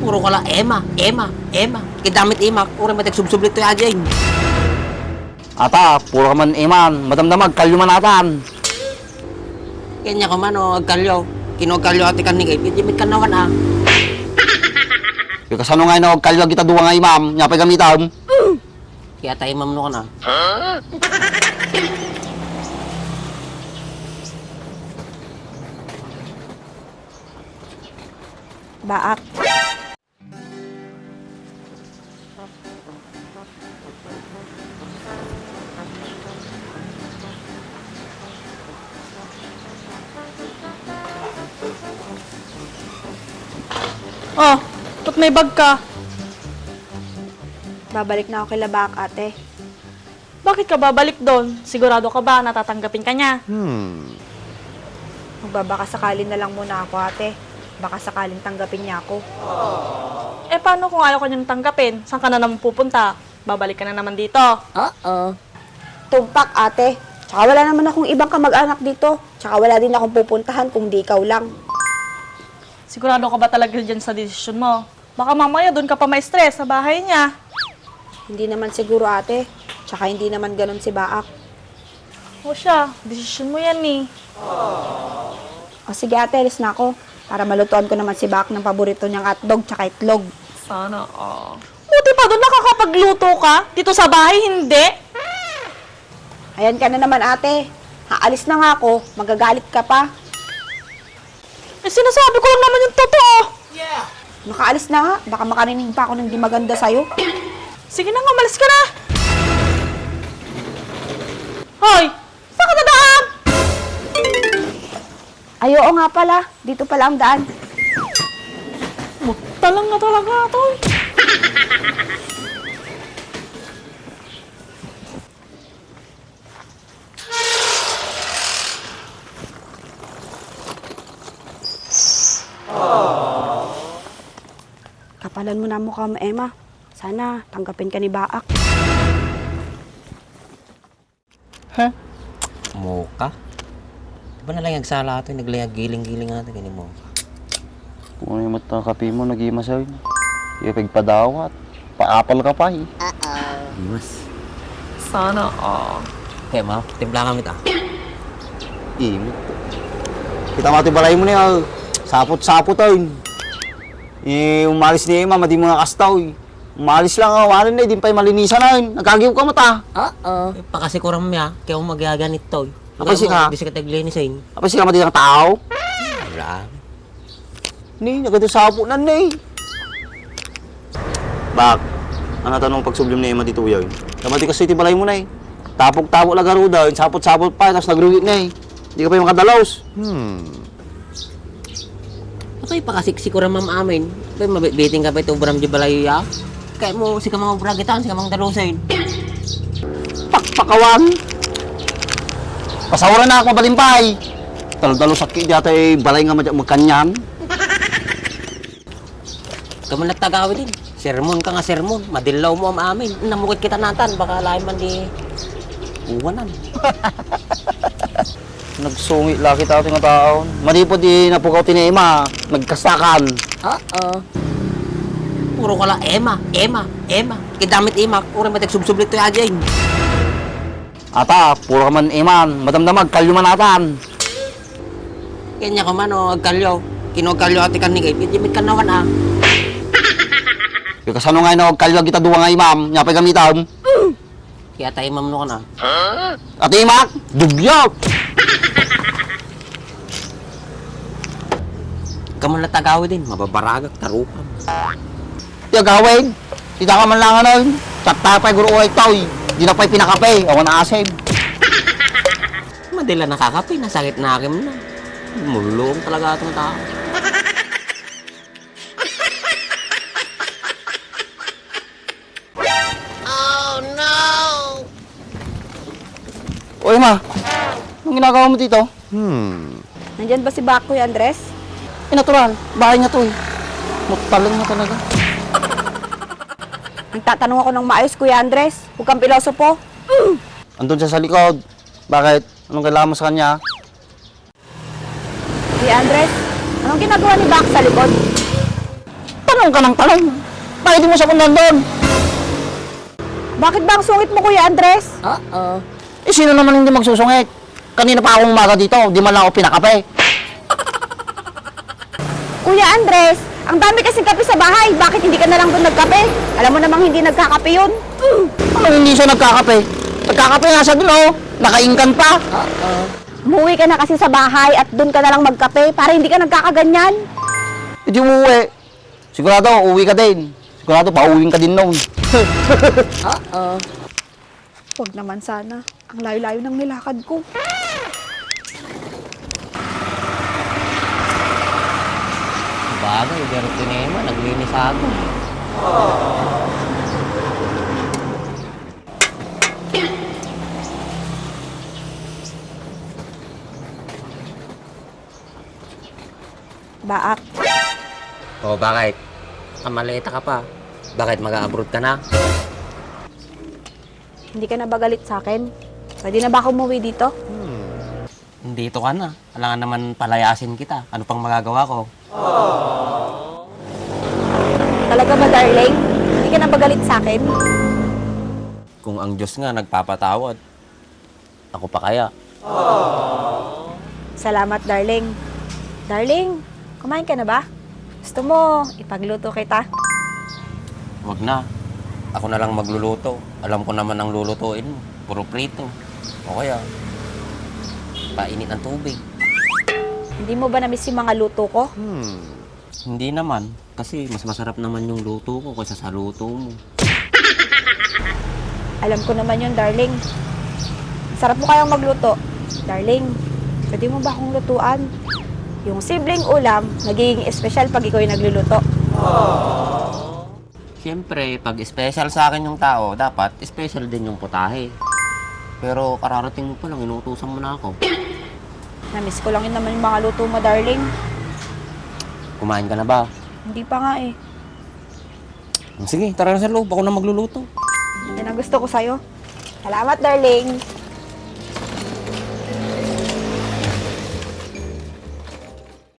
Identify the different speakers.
Speaker 1: Puro ka lang, Ema. Kidamit Ema, puro matagsubsublit to yajing.
Speaker 2: Ata, puro ka man iman, madamdamag, kalyuman atan.
Speaker 1: Kanya ka man o, agkalyo. Kinogkalyo ati kan ni Kay, pidimit ka naman ah.
Speaker 2: Yung kasano nga na kalyo kita duwa nga imam, nyapay gamitam.
Speaker 1: Kaya tayo mamno ka na.
Speaker 3: Baak.
Speaker 4: Oh, ba't may bag ka?
Speaker 3: Babalik na ako kay Baak, ate.
Speaker 4: Bakit ka babalik doon? Sigurado ka ba natatanggapin ka niya?
Speaker 3: Magbabaka sakali na lang muna ako, ate. Baka sakaling tanggapin niya ako.
Speaker 4: Eh, paano kung ayaw ka niyang tanggapin? Saan ka na naman pupunta? Babalik ka na naman dito.
Speaker 3: Tumpak, ate. Tsaka wala naman akong ibang kamag-anak dito. Tsaka wala din akong pupuntahan kung di ikaw lang.
Speaker 4: Sigurado ka ba talaga dyan sa desisyon mo? Baka mamaya doon ka pa ma-stress sa bahay niya.
Speaker 3: Hindi naman siguro, ate. Tsaka hindi naman ganun si Baak.
Speaker 4: O siya, desisyon mo yan eh.
Speaker 3: O sige, ate, alis na ako. Para malutuan ko naman si Baak ng paborito niyang hotdog tsaka itlog.
Speaker 4: Sana, Buti pa doon nakakapagluto ka? Dito sa bahay, hindi?
Speaker 3: Ayan ka na naman, ate. Haalis na nga ako. Magagalit ka pa.
Speaker 4: Eh, sinasabi ko lang naman yung totoo.
Speaker 3: Makaalis na nga. Baka makarinig pa ako ng di maganda sa'yo.
Speaker 4: Sige na nga, malis ka na. Hoy, saan ka dadaan?
Speaker 3: Ay, oo nga pala. Dito pala ang daan.
Speaker 4: Talang na talaga ito.
Speaker 3: Kapalan mo na mukha mo, Emma. Sana tanggapin ka ni Baak.
Speaker 1: Moka? Diba na lang yagsala ito, naglayag giling-giling ito, ganyan mo.
Speaker 2: Kung ano yung matakapi mo, nag-imasay. Ipig padawat, paapal ka pa eh.
Speaker 1: Mas.
Speaker 4: Sana,
Speaker 1: Kaya ma, timpla kami ta.
Speaker 2: Imot. Kita mati balay mo niya, sapot-sapot ay. Eh, umalis ni Emma, madi mo nga kastaw eh. Umalis lang ako, ano na, di pa malinisan na yun. Nagkagiw ka mata.
Speaker 1: Pakasikuram niya, kaya mo magaganit to. Kapasi ka? Bisa ka taglinisin.
Speaker 2: Apa sila mati ng tao?
Speaker 1: Wala.
Speaker 2: Ni, nagkatusapo na ni. Bak, ano tanong pagsublim ni Emma dito yun? Kamati kasi iti balay mo na eh. Tapok-tapok lagaro daw, sapot-sapot pa, tapos nagrugi na eh. Hindi ka pa yung makadalaws.
Speaker 1: Okay, pakasiksikuram mam amin. Kaya mabiting ka pa ito, Bram di balayo ya. Kaya mo, si kamang bragitan, si kamang dalusin.
Speaker 2: Pakpakawan. Pasawaran na ako mabalimpay. Talo-talo sakit dito ay balay nga magkanyan.
Speaker 1: Kamu nagtagawi din. Sermon ka nga sermon. Madilaw mo am amin. Namukit kita natan. Baka lain man di uwanan.
Speaker 2: Nagsungit laki tao nga taon. Malipod di napukaw ti ni Emma. Nagkasakan.
Speaker 1: Puro ka lang, Ema. Kidamit Ema. Puro matagsubsublit to yajing.
Speaker 2: Ata, puro ka man iman. Madamdamag, kalyuman atan.
Speaker 1: Kanya ka man o, agkalyo. Kinogkalyo ati kan ni Kay, pidimit ka naman ah.
Speaker 2: Yung kasano nga na kalyo kita duwa nga imam. Nyapay gamitam.
Speaker 1: Kaya tayo mamno ka na.
Speaker 2: Ate Imak, dugyot.
Speaker 1: Kamu natagawi din. Mababaragak, tarupam.
Speaker 2: Tiya gawin. Kita ka man lang ano. Tsakta pa'y guro ay tao. Di na pa'y pinakape. Awan na asib.
Speaker 1: Madila nakakapi, nasakit na akin na. Mulong talaga itong tao.
Speaker 2: Oy ma, anong ginagawa mo dito?
Speaker 3: Nandyan ba si Baak, Kuya Andres?
Speaker 2: Natural, bahay niya to eh. Mutalang na talaga.
Speaker 3: Nagtatanong ako ng maayos, Kuya Andres. Huwag kang pilosopo.
Speaker 2: Andun siya sa likod. Bakit? Anong kailangan mo sa kanya?
Speaker 3: Kuya Andres, anong ginagawa ni Baak sa likod?
Speaker 2: Tanong ka ng tanong. Bakit di mo sa kundan doon?
Speaker 3: Bakit ba ang sungit mo, Kuya Andres?
Speaker 1: Oo.
Speaker 2: Eh, sino naman hindi magsusungit? Kanina pa akong umaga dito, di man lang ako pinakape.
Speaker 3: Kuya Andres, ang dami kasing kape sa bahay. Bakit hindi ka na lang doon nagkape? Alam mo namang hindi nagkakape yun.
Speaker 2: Ano hindi siya nagkakape? Nagkakape nga siya dun, oh. Nakaingkan pa.
Speaker 3: Umuwi ka na kasi sa bahay at doon ka na lang magkape para hindi ka nagkakaganyan.
Speaker 2: Hindi umuwi. Sigurado, uuwi ka din. Sigurado, pauwiin ka din noon.
Speaker 1: Oo.
Speaker 3: Huwag naman sana. Ang layo-layo ng nilakad ko.
Speaker 1: Bagay, pero tinema, naglinis ako.
Speaker 3: Baak,
Speaker 1: O bakit? Kamaleta ka pa. Bakit mag-abroad ka na?
Speaker 3: hindi ka na ba galit sa akin? Pwede na ba ako umuwi dito?
Speaker 1: Dito ka na. Kailangan naman palayasin kita. Ano pang magagawa ko?
Speaker 3: Talaga ba, darling? Hindi ka na ba galit sa akin?
Speaker 1: Kung ang Diyos nga nagpapatawad, ako pa kaya?
Speaker 3: Salamat, darling. Darling, kumain ka na ba? Gusto mo, ipagluto kita?
Speaker 1: Wag na. Ako na lang magluluto. Alam ko naman ang lulutuin mo. Puro prito. O kaya, painit ng tubig.
Speaker 3: Hindi mo ba na-miss yung mga luto ko?
Speaker 1: Hindi naman. Kasi mas masarap naman yung luto ko kaysa sa luto mo.
Speaker 3: Alam ko naman yun, darling. Sarap mo kayang magluto. Darling, pwede mo ba akong lutuan? Yung simpleng ulam, nagiging espesyal pag ikaw yung nagluluto.
Speaker 1: Siyempre, pag special sa akin yung tao, dapat special din yung putahe. Pero kararating mo pa lang, inuutusan mo na ako.
Speaker 3: Na-miss ko lang yun naman yung mga luto mo, darling.
Speaker 1: Kumain ka na ba?
Speaker 3: Hindi pa nga eh.
Speaker 1: Sige, tara na sa loob. Ako na magluluto.
Speaker 3: Yan ang gusto ko sa'yo. Salamat, darling.